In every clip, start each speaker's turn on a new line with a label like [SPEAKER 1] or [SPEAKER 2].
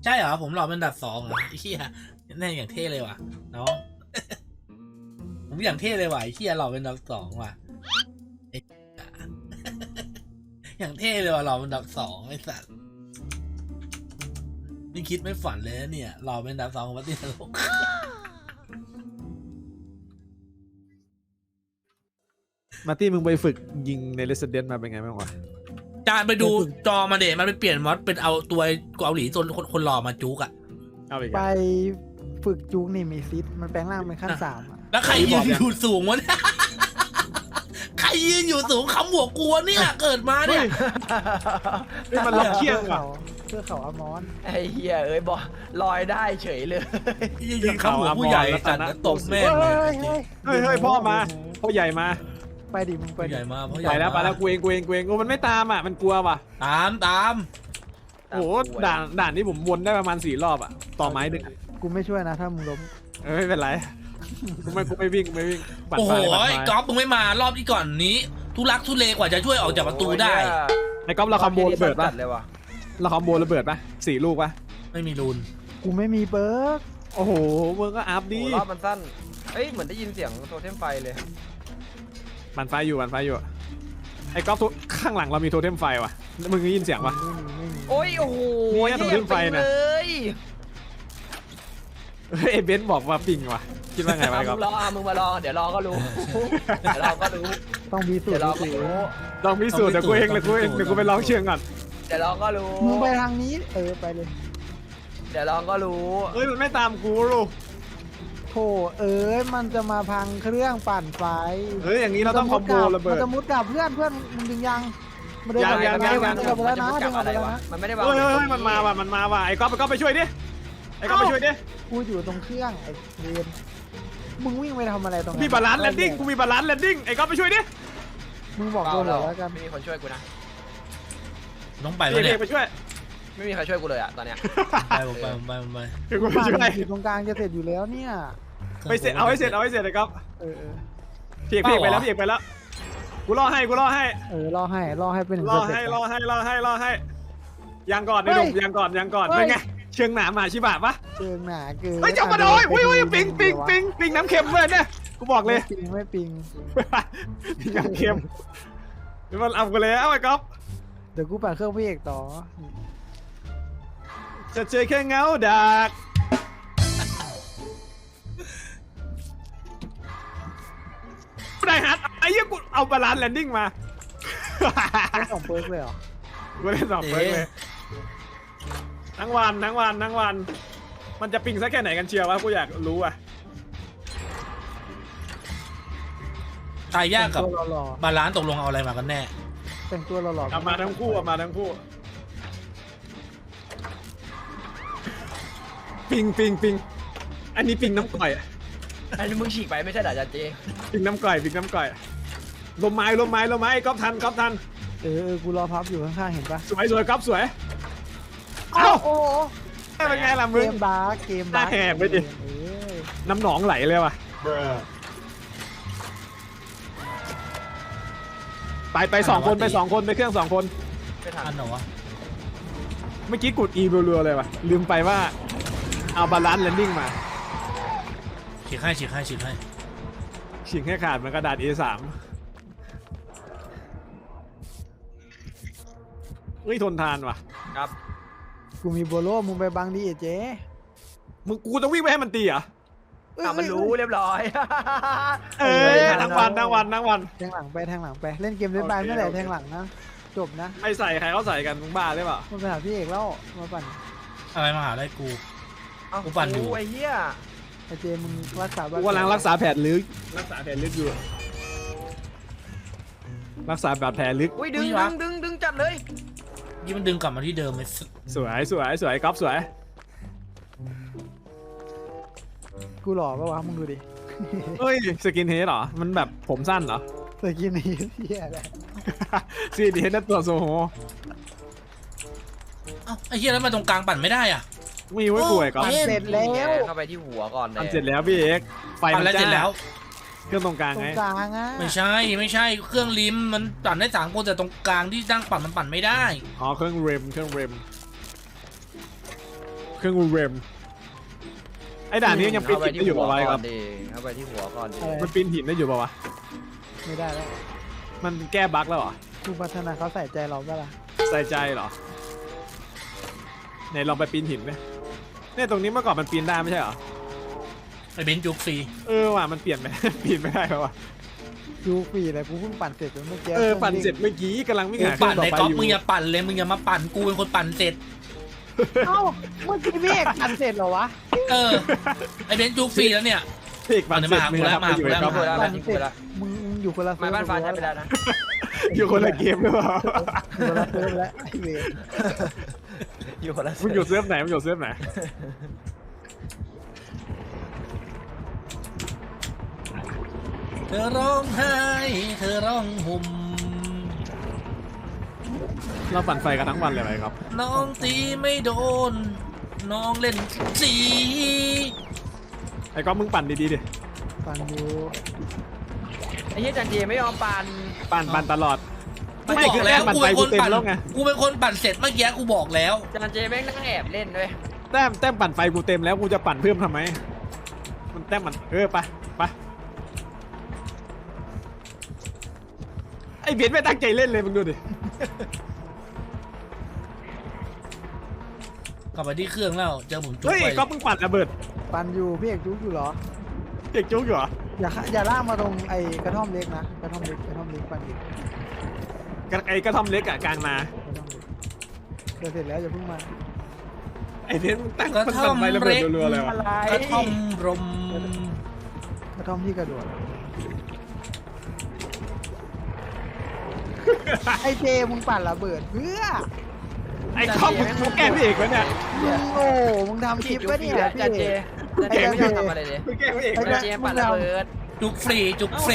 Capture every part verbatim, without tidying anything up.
[SPEAKER 1] ใช่เหรอผมหล่อเป็นอันดับสองเหรอไอ้เหี้ยแน่อย่างเท่เลยว่ะน้อง ผมอย่างเท่เลยว่ะไอ้เหี้ยหล่อเป็นอันดับสองว่ะไอ้ อย่างเท่เลยว่ะหล่อเป็นอันดับสองไอ้สัสนี่คิดไม่ฝันเลยนะเนี่ยหล่อเป็นอันดับสองของประเทศโลก
[SPEAKER 2] มาร์ตี้มึงไปฝึกยิงใน Resident มาเป็นไงบ้างวะ
[SPEAKER 1] จานไปดูจอมาเดะมันไปเปลี่ยนมอดเป็นเอาตัวเกาหลีจนคนคนหล่อมาจุกอะ
[SPEAKER 2] เอาอีก
[SPEAKER 3] ไป
[SPEAKER 2] อะ
[SPEAKER 3] ฝึกจุกนี่มีซิดมันแปลงร่างเป็นขั้นสามอะ
[SPEAKER 1] แล้วใครยืนอยู่สูงวะเนี่ย ใครยืนอยู่สูงคำหัวกลัวเนี่ยเกิดมาเนี่ย
[SPEAKER 2] เฮ้ยมันล็อกเคียงว่ะ
[SPEAKER 3] เพื่อเขาอมอน
[SPEAKER 4] ไอ้เหี้ยเอ้ยบอกลอยได้เฉยเลย
[SPEAKER 1] ยืนคำหัวผู้ใหญ่จัดตบแม่ง
[SPEAKER 3] เฮ้
[SPEAKER 1] เลย
[SPEAKER 3] ยเฮ้ย
[SPEAKER 2] เฮ้ยเฮ้ยพ่อมาพ่อใหญ่มา
[SPEAKER 3] ไปดิมึงไป
[SPEAKER 1] ผู้
[SPEAKER 3] ดิ
[SPEAKER 1] ใหญ่มาผู้ให
[SPEAKER 2] ไป
[SPEAKER 1] ญ่
[SPEAKER 2] แล้วไปแล้วกูเองกูเองกูเองกูมันไม่ตามอ่ะมันกลัวว่ะ
[SPEAKER 1] ตามตาม
[SPEAKER 2] โอ้โหด่านด่านนี้ผมวนได้ประมาณสี่รอบอ่ะต่อไม้หนึ่งอะ
[SPEAKER 3] กูไม่ช่วยนะถ้ามึงล้ม
[SPEAKER 2] เออไม่เป็นไรกูไม่กูไม่วิ่งกูไม่วิ่งปัด
[SPEAKER 1] โอ้โห
[SPEAKER 2] ไปปัด
[SPEAKER 1] ไอ้
[SPEAKER 2] ไป
[SPEAKER 1] ก๊อฟมึงไม่มารอบที่ก่อนนี้ ทุลักทุเลกว่าจะช่วยออกจากประตูได้
[SPEAKER 2] ไอ้ก๊อฟเราคอมโบระเบิดป่ะ
[SPEAKER 4] จัเลยว่ะ
[SPEAKER 2] เราคอมโบระเบิดป่ะสี่ลูกป่ะ
[SPEAKER 1] ไม่มีรูน
[SPEAKER 3] กูไม่มีเบิร์ก
[SPEAKER 2] โอ้โหมึงก็อัพ
[SPEAKER 4] โอ้
[SPEAKER 2] ดิ
[SPEAKER 4] รอบมันสั้นเอ้ยเหมือนได้ยินเสียงโทเทมไฟเลย
[SPEAKER 2] มันไฟอยู่มันไฟอยู่ไอ้ก๊อฟทุข้างหลังเรามีโทเทมไฟว่ะมึงได้ยินเสียงป่ะ
[SPEAKER 3] ไม่มีไม่มี
[SPEAKER 4] โอ้ยโอ้โห
[SPEAKER 2] เนี่ย
[SPEAKER 4] เหี้ย
[SPEAKER 2] โทเทมไฟน่ะ
[SPEAKER 4] เลย
[SPEAKER 2] เฮ้ยไอ้เบนซ์บอกว่าปิงว่ะคิดว่าไงวะ
[SPEAKER 4] อ่ะ
[SPEAKER 2] ไอ้ก๊
[SPEAKER 4] มึ
[SPEAKER 2] อฟ
[SPEAKER 4] งรออ่ะมึงมารอเดี๋ยวรอก็รู้เดี๋ยวรอก็รู้
[SPEAKER 3] ต้องมีสู
[SPEAKER 4] เดี๋
[SPEAKER 3] ต
[SPEAKER 4] ยว
[SPEAKER 3] ร
[SPEAKER 4] รอก็
[SPEAKER 3] สิ
[SPEAKER 4] รู้
[SPEAKER 2] ลองพิสูจน์เดี๋ยวกูเองเลยกูเองเดี๋ยวกูไปลองเชื่องก่อน
[SPEAKER 4] เดี๋ยวรอก็รู้
[SPEAKER 3] มึงไปทางนี้เออไปเลย
[SPEAKER 4] เดี๋ยวรอก็รู้
[SPEAKER 2] เฮ้ยมันไม่ตามกูลูก
[SPEAKER 3] โธ่เอ้ยมันจะมาพังเครื่องปั่นไฟ
[SPEAKER 2] เฮ้ยอย่างนี้เราต้องคอมโบระเบิ
[SPEAKER 3] มั
[SPEAKER 2] ด
[SPEAKER 3] นจะมุดกับเพื่อนเพื่อนมึงดึงยังมันเดิน
[SPEAKER 2] ยังยังยังยัง
[SPEAKER 3] เดินไปแล้วนะ
[SPEAKER 4] มัน
[SPEAKER 3] เดิ
[SPEAKER 4] จะ
[SPEAKER 3] น
[SPEAKER 4] มุ
[SPEAKER 3] อ
[SPEAKER 4] ด
[SPEAKER 3] อก
[SPEAKER 4] ก
[SPEAKER 3] ไป
[SPEAKER 4] ลับ
[SPEAKER 3] แล้วนะ
[SPEAKER 4] อะไรวะมันไม่ได้วาง
[SPEAKER 2] เฮ้ยเฮ้ยเฮ้ยมันมาว่ะมันมาว่ะไอ้ก๊อฟไอ้ก๊อฟไปช่วยดิไอ้ก๊อฟไปช่วยดิ
[SPEAKER 3] กูอยู่ตรงเครื่องไอ้เวรมึงวิ่งไปทำอะไรตรงนั้น
[SPEAKER 2] มีบาลานซ์แลนดิ้งกูมีบาลานซ์แลนดิ้งไอ้ก๊อฟไปช่วยดิ
[SPEAKER 3] มึงบอก
[SPEAKER 4] เปล่า
[SPEAKER 3] กูเหร
[SPEAKER 4] เรา
[SPEAKER 3] อแล้วกัน
[SPEAKER 4] ไม่มีคนช่วยกูนะ
[SPEAKER 1] ต้องไป
[SPEAKER 2] เอก
[SPEAKER 1] วะเนี่
[SPEAKER 2] เอย กไปช่วย
[SPEAKER 4] ไม่มีใครช่วยกูเลยอ่ะตอนเนี้ย
[SPEAKER 1] ไปผมไปผมไปผมไป
[SPEAKER 2] เอกกูไป
[SPEAKER 3] บ้าน
[SPEAKER 2] ช่วย
[SPEAKER 3] อยู่ตรงกลางจะเสร็จอยู่แล้วเนี่ย
[SPEAKER 2] ไปเสร็จเอาให้เสร็จเอาให้เสร็จไอ้ก๊อฟ
[SPEAKER 3] เออเออ
[SPEAKER 2] พี่เอกพี่เอกไปแล้วพี่เอกไปแล้วกูรอให้กูรอให้
[SPEAKER 3] เออรอให้รอให้เป็นหนึ่ง
[SPEAKER 2] รอ
[SPEAKER 3] สเต็ป
[SPEAKER 2] ให้รอให้รอให้รอให้ยังก่อนไอ้หนุ่มยังก่อนยังก่อนเป็นไงเชิงหนามาชิบะปะ
[SPEAKER 3] เชิงหนาเกิน
[SPEAKER 2] เฮ้ยจับมาโดยอุ้ยอุ้ยปิงปิงปิงปิงน้ำเค็มเลยเนี่ยกูบอกเลย
[SPEAKER 3] ไม่ปิงไม่ปิง
[SPEAKER 2] ปิงน้ำเค็มเดี๋ยวมันเอากูแล้วไอ้ก๊อฟ
[SPEAKER 3] เดี๋ยวกูปั่นเครื่องพี่เอกต่อ
[SPEAKER 2] จะเจอแค่เงาดักได้ฮัทไอ้เหี้ยกูเอาบาลานซ์แลนดิ้งมา
[SPEAKER 3] ไม่สองเปิร์กเลยเหรอ
[SPEAKER 2] กูเล่นสองเฟิร์สเลยทั้งวันทั้งวันทั้งวัน มันจะปิงสักแค่ไหนกันเชียววะกูอยากรู้อ่ะ
[SPEAKER 1] ตายยากกับ
[SPEAKER 3] แต่งตัวหล่อบ
[SPEAKER 1] าลานซ์ตกลงเอาอะไรมากันแน่
[SPEAKER 3] ๆแต่งตัวหล่อๆ
[SPEAKER 2] เอามาทั้งคู่เอามาทั้งคู่ปิงปิงปิงอันนี้ปิงน้ำก่อย
[SPEAKER 4] อันนี้มึงฉีกไปไม่ใช่เหรอจ๊ะเจ
[SPEAKER 2] ปิงน้ำก่อยปิงน้ำก่อยลมไม้ลมไม้ลมไม้ก๊อฟทันก๊อฟทัน
[SPEAKER 3] เออเออกูรอพับอยู่ข้างๆเห็นปะ
[SPEAKER 2] สวยสวยก๊อฟสวย
[SPEAKER 3] เอ้าโอ้โห
[SPEAKER 2] เป็นไงล่ะ
[SPEAKER 3] เก
[SPEAKER 2] มึง
[SPEAKER 3] มบาร์เกมบาร์
[SPEAKER 2] หน้าแหบไปดิ
[SPEAKER 3] เออ
[SPEAKER 2] น้ำหนองไหลเลยว่ะไปไปสองคนไปสองคนไปเครื่องสองคน
[SPEAKER 4] ไม่ทั
[SPEAKER 1] อั
[SPEAKER 4] น
[SPEAKER 1] นเหรอวะ
[SPEAKER 2] เมื่อกี้กด E รัวๆเลยว่ะลืมไปว่าเอาบาลานซ์แลนดิ้งมา
[SPEAKER 1] ฉีกให้ฉีกให้ฉีกให้
[SPEAKER 2] ฉีกให้ขาดเหมือนกระดาษ เอ สาม เฮ้ยทนทานว่ะ
[SPEAKER 4] ครับ
[SPEAKER 3] กูมีโบโลมึงไปบังดิเจ๊
[SPEAKER 2] มึงกูต้องวิ่งไปให้มันตีเหรอ
[SPEAKER 4] อ่ะมันรู้เรียบร้อย
[SPEAKER 2] เอ้ยทั้งวันทั้งวันทั้งวัน
[SPEAKER 3] แทงหลังไปแทงหลังไปเล่นเกมเล่นบาย
[SPEAKER 2] โอเค
[SPEAKER 3] เมื่อไหร่
[SPEAKER 2] โอเค
[SPEAKER 3] แทงหลังนะจบนะ
[SPEAKER 2] ไม่ใส่ใครเขาใส่กันมึงบ้าหรือเปล่า
[SPEAKER 3] มันไปหาพี่เอกแล้วมาปั่น
[SPEAKER 1] อะไรมาหาได้กู
[SPEAKER 4] เอ้า
[SPEAKER 1] กูปั่นอยู่
[SPEAKER 4] ไอ้เหี้ย
[SPEAKER 3] ไอเจมึงรักษา
[SPEAKER 2] กูกำลังรักษาแผลลึกรักษาแผลลึกอยู่รักษาบาดแผลลึก
[SPEAKER 4] อุ้ยดึง
[SPEAKER 1] อุ้ย
[SPEAKER 4] ดึ
[SPEAKER 1] วะ
[SPEAKER 4] งดึงดึงจัดเลย
[SPEAKER 1] ยี่มันดึงกลับมาที่เดิมเลย
[SPEAKER 2] สวยสวยสวยก๊อฟสวย
[SPEAKER 3] กูหล่อปะวะมึงดูดิ
[SPEAKER 2] เฮ้ยสกินเฮดเหรอมันแบบผมสั้นเหรอ
[SPEAKER 3] สกินนี้เฮียอะไร
[SPEAKER 2] สกินเฮดนั่นตัวโซโห
[SPEAKER 1] เอ้าไอ้เหี้ยแล้วมาตรงกลางปั่นไม่ได้อ่ะ
[SPEAKER 2] มีไว้ป่วยก๊อฟ
[SPEAKER 1] เอ๊ะ
[SPEAKER 3] เสร็จแล้ว
[SPEAKER 4] เข้าไปที่หัวก่อนเลย
[SPEAKER 2] ทำเสร็จแล้วพี่เอกไฟ
[SPEAKER 1] ปั่
[SPEAKER 2] มัน น
[SPEAKER 1] แล้วเสร็จ
[SPEAKER 2] จ้า
[SPEAKER 1] แล้ว
[SPEAKER 2] เครื่องตรงกลาง
[SPEAKER 3] ตร
[SPEAKER 2] ไง
[SPEAKER 3] งกลางอ่ะ
[SPEAKER 1] ไม่ใช่ไม่ใช่เครื่องริมมันปั่นได้สามคนแต่ตรงกลางที่ตั้งปั่นมันปั่นไม่ได้
[SPEAKER 2] อ๋อเครื่องเรมเครื่องเรมเครื่องมือเรมไอ้ด่านนี้ยังปีน
[SPEAKER 4] เอาไป
[SPEAKER 2] หิน
[SPEAKER 4] ที่
[SPEAKER 2] ได้อยู่
[SPEAKER 4] หัว
[SPEAKER 2] ปะวะ
[SPEAKER 4] ก่
[SPEAKER 2] ค
[SPEAKER 4] อ
[SPEAKER 2] รับ
[SPEAKER 4] นดิเอาไปที่หัวก่อนดิ
[SPEAKER 3] อะไร
[SPEAKER 2] มันปีนหินได้อยู่ปะวะ
[SPEAKER 3] ไม่ได้แล้ว
[SPEAKER 2] มันแก้บั๊กแล้วเหรอ
[SPEAKER 3] ผู้พัฒนาเขาใส่ใจเราเปะล่า
[SPEAKER 2] ใส่ใจเหรอไหนลองไปปีนหินไหมเนี่ยตรงนี้เมื่อก่อนมันปีนได้ไม่ใช่เหรอ
[SPEAKER 1] ไอ้เบนซ์จุกฟรี
[SPEAKER 2] เออว่ะมันเปลี่ยนไหม ปีนไม่ได้แล้วว่ะ
[SPEAKER 3] ดูฟรีเลยกูเพิ่งปั่นเสร็จเมื่อกี้
[SPEAKER 2] เออปั่นเสร็จเมื่อกี้กำลังวิ่ง
[SPEAKER 1] กู
[SPEAKER 2] หาเครื่
[SPEAKER 1] ปั่
[SPEAKER 2] อน งต่อ
[SPEAKER 1] ใน
[SPEAKER 2] ไป
[SPEAKER 1] ก๊อฟ
[SPEAKER 2] อยู่
[SPEAKER 1] มึงอย่าปั่นเลยมึงอย่ามาปั่นกูเป็นคนปั่นเสร็จ
[SPEAKER 3] เอ้าเมื่อกี้พี่เอกปั่นเสร็จเหรอวะ
[SPEAKER 1] เออไอ้เบนซ์จุกฟรีแล้วเนี่ย
[SPEAKER 2] เพกปั่นเสร็จ
[SPEAKER 1] เอา
[SPEAKER 2] มึง
[SPEAKER 1] เดี๋ยว
[SPEAKER 2] ทำ
[SPEAKER 1] มา
[SPEAKER 2] ไปอยู่
[SPEAKER 1] มา
[SPEAKER 2] ในก๊อฟ
[SPEAKER 4] กูแล้ว
[SPEAKER 3] ปั่น
[SPEAKER 4] นี่
[SPEAKER 3] เส
[SPEAKER 4] กู
[SPEAKER 3] ร็จ
[SPEAKER 4] แล้ว
[SPEAKER 3] มึงอยู่คนละ
[SPEAKER 4] ไม้บ้านฟ้าใช้ไปแล้วนะ
[SPEAKER 2] อยู่คนละเกมหรือเปล่า
[SPEAKER 3] อยู่คนละเซิร์ฟแล้วไอ้เวร
[SPEAKER 4] อยู่คนละ
[SPEAKER 2] มึงอยู่เซิร์ฟไหนมึงอยู่เซิร์ฟไหน
[SPEAKER 1] เธอร้องไห้เธอร้องห่ม
[SPEAKER 2] เราปั่นไฟกันทั้งวันเลยไหมครับ
[SPEAKER 1] น้องตีไม่โดน น้องเล่นสี
[SPEAKER 2] ไอ้ก๊อฟมึงปั่นดีๆดิ
[SPEAKER 3] ปั่นอยู่
[SPEAKER 4] ไอ้เหี้ยจันเจไม่ยอมปั่น
[SPEAKER 2] ปั่นปั่นตลอด
[SPEAKER 1] กู
[SPEAKER 2] ไม่
[SPEAKER 1] บอก
[SPEAKER 2] คือ
[SPEAKER 1] แล้ว
[SPEAKER 2] แต้มปั่น
[SPEAKER 1] กู
[SPEAKER 2] ไฟ
[SPEAKER 1] เป็นค
[SPEAKER 2] กู
[SPEAKER 1] น
[SPEAKER 2] เต็ม
[SPEAKER 1] ปั่น
[SPEAKER 2] แล้วไง
[SPEAKER 1] กูเป็นคนปั่นเสร็จเมื่อกี้กูบอกแล้ว
[SPEAKER 4] จันเจแม่งนั่งแอบเล่นด้วย
[SPEAKER 2] แต้มแต้มปั่นไฟกูเต็มแล้วกูจะปั่นเพิ่มทำไมมันแต้มมันเออไปไปไอ้เบียดไม่ตั้งใจเล่นเลยมึงดูดิ
[SPEAKER 1] กลับไปที่เครื่องแล้วเจอผมจุก
[SPEAKER 2] เฮ้ย
[SPEAKER 1] ไป
[SPEAKER 2] ก๊อฟมึงปั่นระเบิด
[SPEAKER 3] ปั่นอยู่พี่เอกจุกอยู่เหรอ
[SPEAKER 2] เด็กจุกอยู่เหรอ
[SPEAKER 3] อย่าขะอย่าลากมาตรงไอ้กระท่อมเล็กนะกระท่อมเล็กกระท่อมเล็กปั่นอยู่
[SPEAKER 2] กระไอ้กระท่อมเล็กอะกลางนาก
[SPEAKER 3] ระท่อมเล็กเดี๋ยวเสร็จแล้วอย่าเพิ่งมา
[SPEAKER 2] ไอ้เบียดมึงตั้ง
[SPEAKER 1] กระ
[SPEAKER 2] มัน
[SPEAKER 1] ท่อ
[SPEAKER 2] ปั่
[SPEAKER 1] ม
[SPEAKER 2] นไฟระเบิ
[SPEAKER 1] เล็
[SPEAKER 2] ด
[SPEAKER 1] ก
[SPEAKER 2] รัวๆเลย
[SPEAKER 4] อะ
[SPEAKER 2] วะ
[SPEAKER 4] ไร
[SPEAKER 1] กระท่อมรม
[SPEAKER 3] กระท่อมที่กระโดดไอ้เจมึงปั่นระเบิดเพื่อ
[SPEAKER 2] ไอ้ก๊อฟมึงมึงแกล้งพี่เอกวะเนี่ย
[SPEAKER 3] มึงโง่มึงทำคลิปไว้เนี่ยพี่
[SPEAKER 4] จันเจ
[SPEAKER 3] เอก
[SPEAKER 4] จันเจไม่ยอมทำอะไรเลย
[SPEAKER 2] มึงแกล้งพี่เอก
[SPEAKER 3] ไอ้
[SPEAKER 2] วะ
[SPEAKER 3] เหี้
[SPEAKER 2] เนี่ย ย
[SPEAKER 4] จันเจปั่นระเบิด
[SPEAKER 1] จุกฟรีจุกฟรี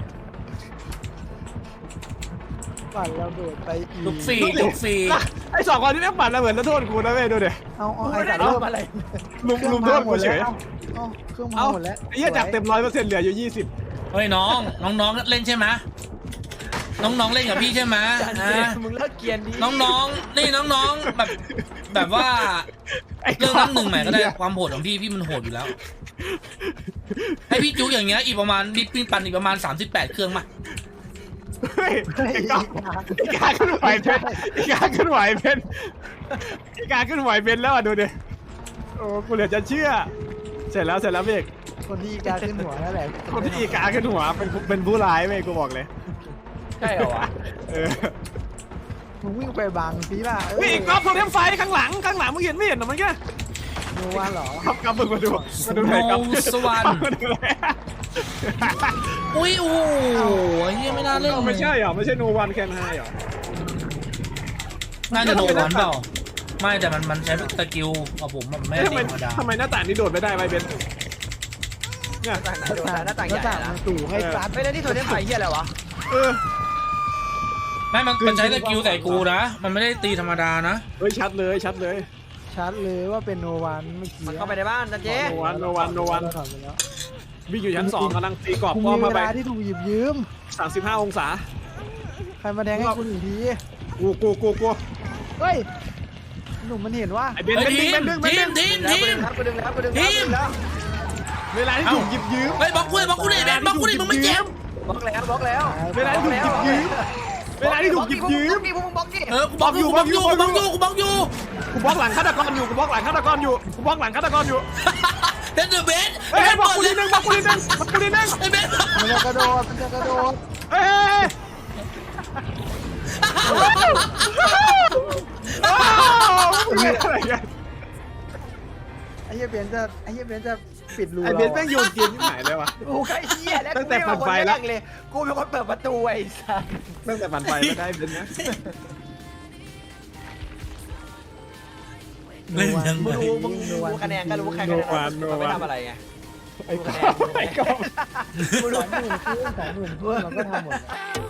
[SPEAKER 3] ปั่นระเบิดไปอีก
[SPEAKER 1] จุกฟรีจุกฟรี
[SPEAKER 2] ไอ้สองคนที่แม่งปั่นระเบิดแล้วโทษกูนะเว้ยดูดิ
[SPEAKER 3] เอาเอา
[SPEAKER 4] กู
[SPEAKER 3] ไอ้
[SPEAKER 4] ไม่ได้
[SPEAKER 3] สัตว์
[SPEAKER 4] ทำอะไร
[SPEAKER 2] ลุมลุมโทษกูเฉย
[SPEAKER 3] เอาเครื่องมา
[SPEAKER 2] เอ้า
[SPEAKER 3] หมดแล้ว
[SPEAKER 2] ไอ้เหี้ยจากเต็มร้อยเปอร์เซ็นต์เหลืออยู่ยี่สิบ
[SPEAKER 1] เฮ้ยน้องน้องๆเล่นใช่ไหมน้องๆเล่นกับพี่ใช่ไหม
[SPEAKER 4] จันเจ
[SPEAKER 1] นะ
[SPEAKER 4] มึงเลิกเกรียนดิ
[SPEAKER 1] น้องๆนี่น้องๆแบบแบบว่าเรื่องน้ำหนึ่งใหม่ก็ได้ความโหดของพี่พี่มันโหดอยู่แล้ว ให้พี่จุกอย่างเงี้ยอีกประมาณพี่ปิ้งปั่นอีกประมาณสามสิบแปดเครื่องมา
[SPEAKER 2] เฮ้ย
[SPEAKER 3] เฮ้ย
[SPEAKER 2] ไอ้ก๊อฟไอ้กาขึ้นไหวเพนไอ้กาขึ้นไหวเพนไอ้กาขึ้นไหวเพนแล้วอ่ะดูดิโอ้กูเหลือจะเชื่อ เสร็จแล้วเสร็จแล้วเบก
[SPEAKER 3] คนที่อีกาขึ้นหัวนั่นแหละ
[SPEAKER 2] คนที่อีกาขึ้นหัวเป็นเป็นผู้ร้ายเว้ยกูบอกเลย
[SPEAKER 4] ใช่เหรอวะ
[SPEAKER 2] เออ
[SPEAKER 3] มึงวิ่งไปบังสิล่ะ
[SPEAKER 2] เฮ้ยไอ้ก๊อฟโทรเทมไฟข้างหลังข้างหลังมึงเห็นไม่เห็นหรอมันแค่
[SPEAKER 3] โนวันเหรอ
[SPEAKER 2] ครับครับมึงมาดูมาดูหน่อยครับ
[SPEAKER 1] โนสวรรค์
[SPEAKER 2] มาดูหน่อย
[SPEAKER 1] อุ้ยโอ้โหไอ้เหี้ยไม่น่าเล่นเลย
[SPEAKER 2] ไม่ใช่เหรอไม่ใช่โนวันแคนไฮเหรอ
[SPEAKER 1] น่าจะโดนวันเปล่าไม่แต่มันมันใช้สกิลของผมมันไม่
[SPEAKER 2] เอ้ย
[SPEAKER 1] ได้
[SPEAKER 2] ทำไม
[SPEAKER 1] ธรรมดา
[SPEAKER 2] ทำไมหน้าต่างนี้โดดไม่ได้ไวเบนเนี่ย
[SPEAKER 4] หน้าต่างไหนโดนหน้าต่างใหญ่
[SPEAKER 3] หน้า
[SPEAKER 4] นะ
[SPEAKER 3] มันตู่ให้ซัด
[SPEAKER 4] ไม่แล้วนี่โทรเทมไฟเหี้ยอะไรวะ
[SPEAKER 2] เออ
[SPEAKER 1] ไม่มันมันใช้สกิลใส่กูนะมันไม่ได้ตีธรรมดานะ
[SPEAKER 2] เฮ้ยชัดเลยชัดเลย
[SPEAKER 3] ชัดเลยว่าเป็นโนวันเมื่อกี้
[SPEAKER 4] มันเข้าไปในบ้านจันเจ
[SPEAKER 2] โนวันโนวันโนวัน
[SPEAKER 3] ถอดไปแล้ว
[SPEAKER 2] วิ่งอยู่ชั้นสองกำลังตีกรอบ
[SPEAKER 3] กู
[SPEAKER 2] ป้อ
[SPEAKER 3] มี
[SPEAKER 2] ม
[SPEAKER 3] เว
[SPEAKER 2] มาไป
[SPEAKER 3] ลาที่ถูกหยิบยืม
[SPEAKER 2] สามสิบห้าองศา
[SPEAKER 3] ใครมาแทงให้กูหนึ่งที
[SPEAKER 2] กูกูกูกู
[SPEAKER 3] เฮ้ยหนุ่มมันเห็นว่า
[SPEAKER 2] ไอเบน
[SPEAKER 1] เฮ้ย
[SPEAKER 2] เบน
[SPEAKER 1] ที
[SPEAKER 2] ดึง
[SPEAKER 1] ม
[SPEAKER 2] เบนดึงเบน
[SPEAKER 1] ที
[SPEAKER 2] ดึ
[SPEAKER 1] ม
[SPEAKER 2] ง
[SPEAKER 1] ทีม
[SPEAKER 4] กู
[SPEAKER 1] ที
[SPEAKER 4] ดึง
[SPEAKER 1] ม
[SPEAKER 4] แล้วกูดึงแล้วกูดึงแล้วกูดึงแล้ว
[SPEAKER 2] เวลาที่ถูกหยิบยืม
[SPEAKER 1] เฮ้ยบล็อกกูเลยบล็อกกูเลยแบนบล็อกกูเลยมึงไม่เจ็บบ
[SPEAKER 4] ล็อกแล้วบล็อกแล้ว
[SPEAKER 2] เวลาที่ถูกหยิบยืมเวลาที่ถูกหยิบยืม
[SPEAKER 4] นี่พวกมึงบล็อกนี่
[SPEAKER 1] เออกูบล็อกอยู่กูบล็อกอยู่กูบล็อกอยู่กูบล็อกอยู่
[SPEAKER 2] กูบล็อกหลังฆาตกรอยู่กูบล็อกหลังฆาตกรอยู่กูบล็อกหลังฆาตกรอยู่
[SPEAKER 1] เดนเดอร์เบน
[SPEAKER 2] เฮ้ยบล็อกกูนิดนึงบล็อกกูนิดนึงบล็อกกูนิดนึง
[SPEAKER 1] ไอ้เบน
[SPEAKER 3] มันจะกระโดดมันจะกระโดด
[SPEAKER 2] เฮ้ยอะไรกัน
[SPEAKER 3] ไอ้เหี้ยเบนจะไอ้เหี้ยเบนจะปิดรู
[SPEAKER 2] ไอเบนแม่งโยนเกมที่ไหนเลยวะ
[SPEAKER 4] กูใครเหี้ยแล้ว
[SPEAKER 2] ตั้งแต่ปั่นไฟละ
[SPEAKER 4] เลยกูเป็นคนเปิดประตูไอ้สัส
[SPEAKER 2] ตั้งแต่ปั่นไฟไม่ได้เบนนะ
[SPEAKER 1] เล่นยัง
[SPEAKER 4] มึ
[SPEAKER 1] ไง
[SPEAKER 4] งรู้มึงรู้คะแนนก็รู้ใครคะแนนมันไม่ทำอะไรไง
[SPEAKER 2] ไอ้กอไอ้กอ
[SPEAKER 4] กูรู้
[SPEAKER 3] สองหมื่นครึ่งสองหมื่นครึ่งเราก็ทำหมด